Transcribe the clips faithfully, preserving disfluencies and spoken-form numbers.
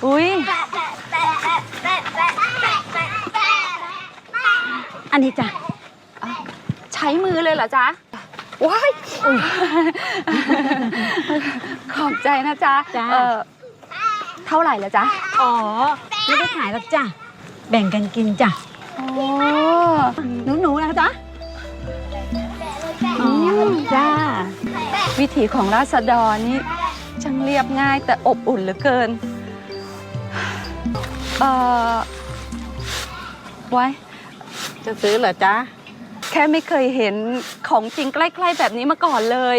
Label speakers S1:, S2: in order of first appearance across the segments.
S1: อุ้ยอันนี้จ้ะใช้มือเลยเหรอจ๊ะว้ายขอบใจนะจ๊ะเออเท่าไหร่ละจ๊ะ
S2: อ๋อไม่ได้ขายหรอกจ้ะแบ่งกันกินจ้ะ
S1: โอ้
S2: หนูหนูนะจ๊ะอ๋อจ้า
S1: วิถีของราษฎรนี่ช่างเรียบง่ายแต่อบอุ่นเหลือเกินเออไว้
S2: จะซื้อเหรอจ๊ะ
S1: แค่ไม่เคยเห็นของจริงใกล้ๆแบบนี้มาก่อนเลย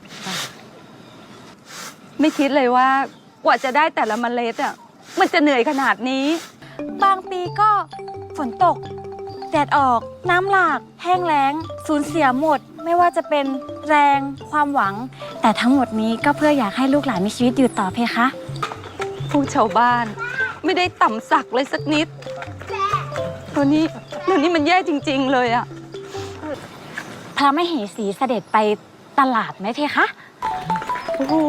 S1: ไม่คิดเลยว่ากว่าจะได้แต่ละเมล็ดอ่ะมันจะเหนื่อยขนาดนี้
S3: บางปีก็ฝนตกแดดออกน้ำหลากแห้งแล้งสูญเสียหมดไม่ว่าจะเป็นแรงความหวังแต่ทั้งหมดนี้ก็เพื่ออยากให้ลูกหลานมีชีวิตอยู่ต่อเพคะ
S1: ผู้ชาวบ้านไม่ได้ต่ำสักเลยสักนิดตัวนี้ตัวนี้มันแย่จริงๆเลยอะ
S3: พระมเหสีเสด็จไปตลาดไหมเพคะ
S1: โอ้โห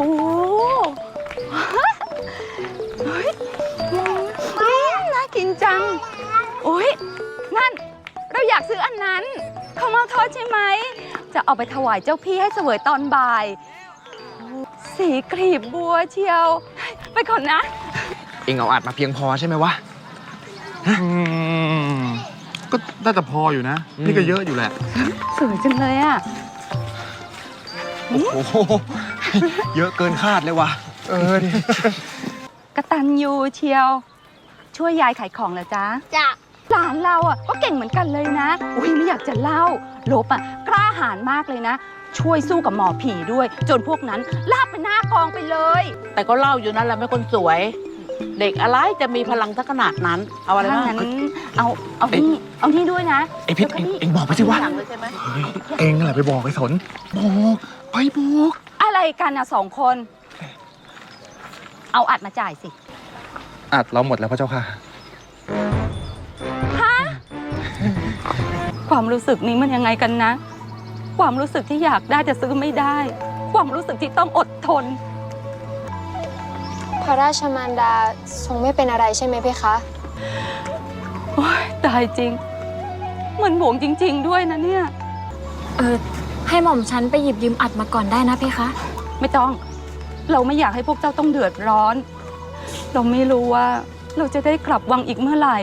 S1: น่ากินจังโอ้ยนั่นเราอยากซื้ออันนั้นข้าวเม่าทอดใช่ไหมจะเอาไปถวายเจ้าพี่ให้เสวยตอนบ่ายสีกลีบบัวเชียวไปก่อนนะ
S4: เองเอาอัดมาเพียงพอใช่ไหมวะ
S5: ก็น่าจะพออยู่นะนี่ก็เยอะอยู่แหละ
S1: สวยจังเลยอ่ะ
S4: โอ้โหเยอะเกินคาดเลยวะเออดิ
S1: กตัญญูเชียวช่วยยายขายของเหรอจ๊ะ
S3: จ้ะ
S1: หลานเราอ่ะก็เก่งเหมือนกันเลยนะอุ้ยไม่อยากจะเล่าลบอ่ะกล้าหาญมากเลยนะช่วยสู้กับหมอผีด้วยจนพวกนั้นลากไปหน้ากองไปเลย
S2: แต่ก็เล่าอยู่นั่นแหละไม่คนสวยเด็กอะไรจะมีพลังทักขนาดนั้นเอาอะไรบ้าง
S1: งั้นเอาเอานี่เอานี่ด้วยนะ
S4: ไอพิษเองเองบอกไปสิวะเองนั่นแหละไปบอกไอ้สนบอกไปบอก
S1: อะไรกันอ่ะสองคนเอาอัดมาจ่ายสิ
S4: อัดเราหมดแล้วพระเจ้าค่ะ
S1: ฮะความรู้สึกนี้มันยังไงกันนะความรู้สึกที่อยากได้แต่ซื้อไม่ได้ความรู้สึกที่ต้องอดทน
S6: พระราชมารดาทรงไม่เป็นอะไรใช่ไหมเพคะ
S1: โอ๊ยตายจริงมันห่วงจริงๆด้วยนะเนี่ย
S3: เออให้หม่อมฉันไปหยิบยืมอัดมาก่อนได้นะเพคะ
S1: ไม่ต้องเราไม่อยากให้พวกเจ้าต้องเดือดร้อนเราไม่รู้ว่าเราจะได้กลับวังอีกเมื่อไหร่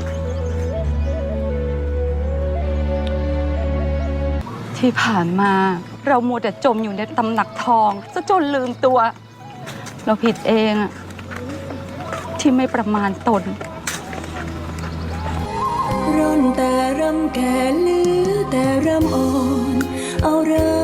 S1: ที่ผ่านมาเรามัวแต่จมอยู่ในตำหนักทองซะจนลืมตัวเราผิดเองอะที่ไม่ประมาณตน
S7: ร่อนแต่รำแก่ลือแต่รำอ่อนเอาเริ่